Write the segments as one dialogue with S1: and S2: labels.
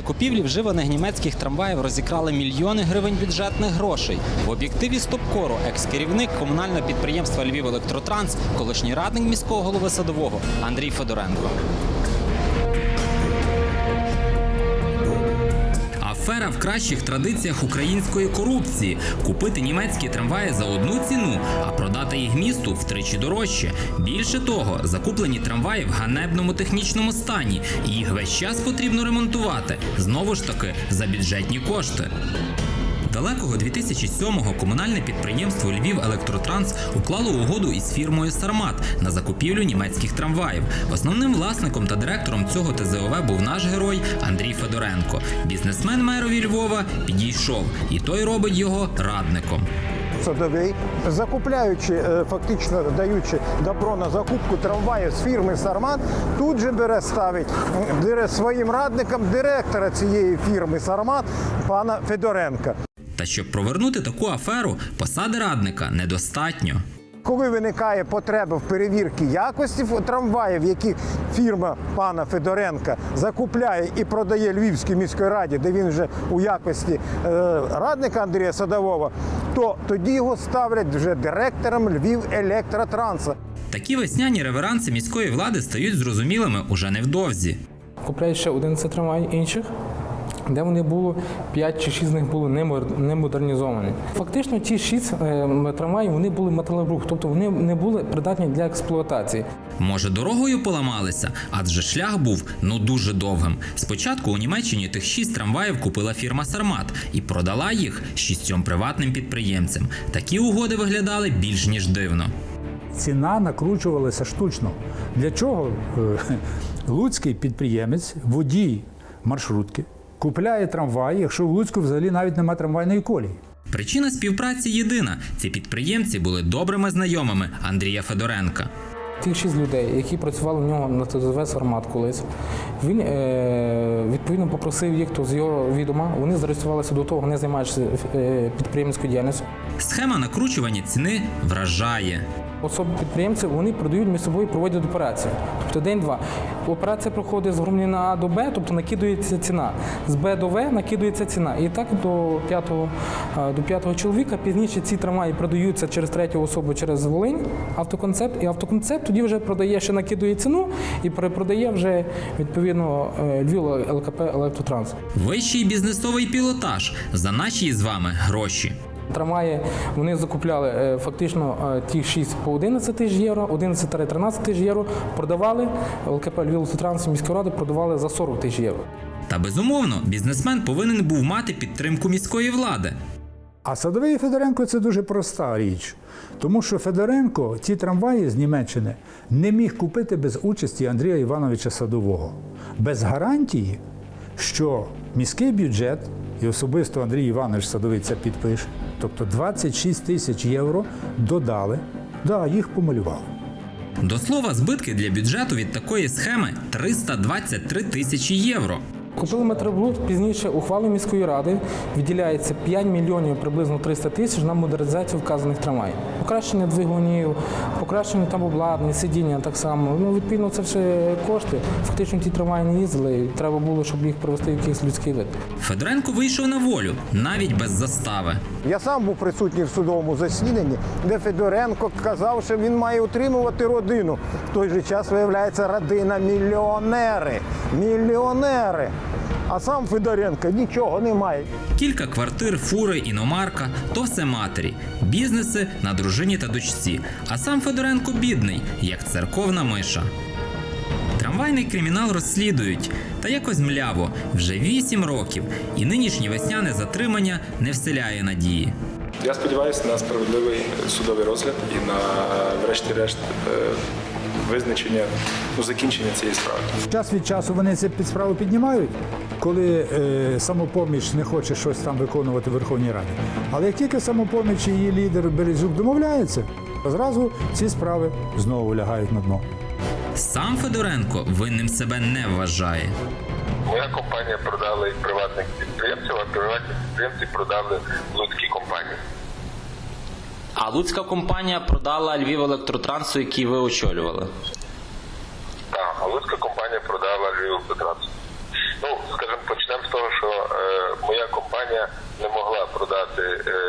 S1: закупівлі вживаних німецьких трамваїв розікрали мільйони гривень бюджетних грошей. В об'єктиві Стопкору екс-керівник комунального підприємства «Львівелектротранс», колишній радник міського голови Садового Андрій Федоренко. Афера в кращих традиціях української корупції. Купити німецькі трамваї за одну ціну, а продати їх місту втричі дорожче. Більше того, закуплені трамваї в ганебному технічному стані. І їх весь час потрібно ремонтувати. Знову ж таки, за бюджетні кошти. Далекого 2007-го комунальне підприємство «Львівелектротранс» уклало угоду із фірмою «Сармат» на закупівлю німецьких трамваїв. Основним власником та директором цього ТЗОВ був наш герой Андрій Федоренко. Бізнесмен мерові Львова підійшов, і той робить його радником.
S2: Садовий, закупляючи, фактично даючи добро на закупку трамваїв з фірми «Сармат», тут же ставить своїм радником директора цієї фірми «Сармат» пана Федоренка.
S1: Та щоб провернути таку аферу, посади радника недостатньо.
S2: Коли виникає потреба в перевірці якості трамваїв, які фірма пана Федоренка закупляє і продає Львівській міській раді, де він вже у якості радника Андрія Садового, то тоді його ставлять вже директором Львівелектротранса.
S1: Такі весняні реверанси міської влади стають зрозумілими уже невдовзі.
S3: Купляють ще 11 трамваїв інших, де вони було, 5 чи 6 з них були не модернізовані. Фактично ті 6 трамваїв, вони були металобрух, тобто вони не були придатні для експлуатації.
S1: Може, дорогою поламалися? Адже шлях був, дуже довгим. Спочатку у Німеччині тих 6 трамваїв купила фірма «Сармат» і продала їх 6 приватним підприємцям. Такі угоди виглядали більш ніж дивно.
S4: Ціна накручувалася штучно. Для чого луцький підприємець, водій маршрутки, купляє трамвай, якщо в Луцьку взагалі навіть немає трамвайної колії?
S1: Причина співпраці єдина. Ці підприємці були добрими знайомими Андрія Федоренка.
S3: Тих 6 людей, які працювали в нього на ТЗОВ «Сармат» колись, він відповідно попросив їх, то з його відома, вони зареєструвалися до того, вони займаються підприємницькою діяльністю.
S1: Схема накручування ціни вражає.
S3: Особи підприємців, вони продають між собою, проводять операцію. Тобто день-два. Операція проходить з громадянина А до Б, тобто накидується ціна. З Б до В накидується ціна. І так до п'ятого чоловіка. Пізніше ці трамваї продаються через третю особу, через Волинь, автоконцепт. І автоконцепт тоді вже продає, ще накидує ціну і перепродає вже, відповідно, «Львівелектротранс».
S1: Вищий бізнесовий пілотаж за наші з вами гроші.
S3: Трамваї вони закупляли фактично ті 6 по 11 тисяч євро, 11-13 тисяч євро, продавали, ЛКП «Львівелектротранс» міської ради продавали за 40 тисяч євро.
S1: Та безумовно, бізнесмен повинен був мати підтримку міської влади.
S4: А Садовий і Федоренко – це дуже проста річ. Тому що Федоренко ті трамваї з Німеччини не міг купити без участі Андрія Івановича Садового. Без гарантії, що міський бюджет, і особисто Андрій Іванович Садовий це підпише, тобто 26 тисяч євро додали, їх помалювали.
S1: До слова, збитки для бюджету від такої схеми – 323 тисячі євро.
S3: Купили метроблуд, пізніше ухвалою міської ради виділяється 5 мільйонів приблизно 300 тисяч на модернізацію вказаних трамваїв. Покращення двигунів, покращення там обладнання, сидіння так само. Відповідно, це все кошти. Фактично ті трамваї не їздили, і треба було, щоб їх привести в якийсь людський вид.
S1: Федоренко вийшов на волю, навіть без застави.
S2: Я сам був присутній в судовому засіданні, де Федоренко казав, що він має утримувати родину. В той же час, виявляється, родина мільйонери. Мільйонери! А сам Федоренко нічого не має.
S1: Кілька квартир, фури, іномарка – то все матері. Бізнеси на дружині та дочці. А сам Федоренко бідний, як церковна миша. Трамвайний кримінал розслідують. Та якось мляво. Вже 8 років. І нинішнє весняне затримання не вселяє надії.
S5: Я сподіваюся на справедливий судовий розгляд і на, врешті-решт, визначення, закінчення цієї справи.
S4: Час від часу вони це під справу піднімають, коли «Самопоміч» не хоче щось там виконувати в Верховній Раді. Але як тільки «Самопоміч» і її лідер Березюк домовляються, зразу ці справи знову лягають на дно.
S1: Сам Федоренко винним себе не вважає.
S6: Моя компанія продала і приватних підприємців, а приватні підприємці продали луцькі компанії.
S1: А луцька компанія продала «Львівелектротранс», який ви очолювали?
S6: Так, а луцька компанія продала «Львівелектротранс». Скажімо, почнемо з того, що моя компанія не могла продати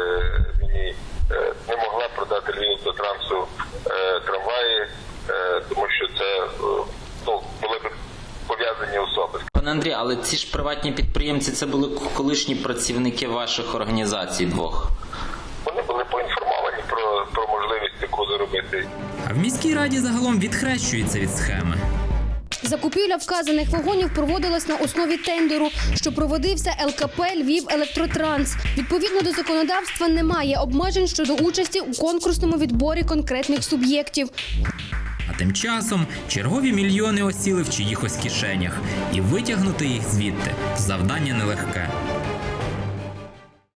S6: Львівавтотрансу трамваї, тому що це були б пов'язані особи.
S7: Пане Андрій, але ці ж приватні підприємці, це були колишні працівники ваших організацій двох.
S6: Вони були поінформовані про можливість таку заробити.
S1: А в міській раді загалом відхрещуються від схеми.
S8: Закупівля вказаних вагонів проводилась на основі тендеру, що проводився ЛКП «Львівелектротранс». Відповідно до законодавства немає обмежень щодо участі у конкурсному відборі конкретних суб'єктів.
S1: А тим часом чергові мільйони осіли в чиїхось кишенях. І витягнути їх звідти – завдання нелегке.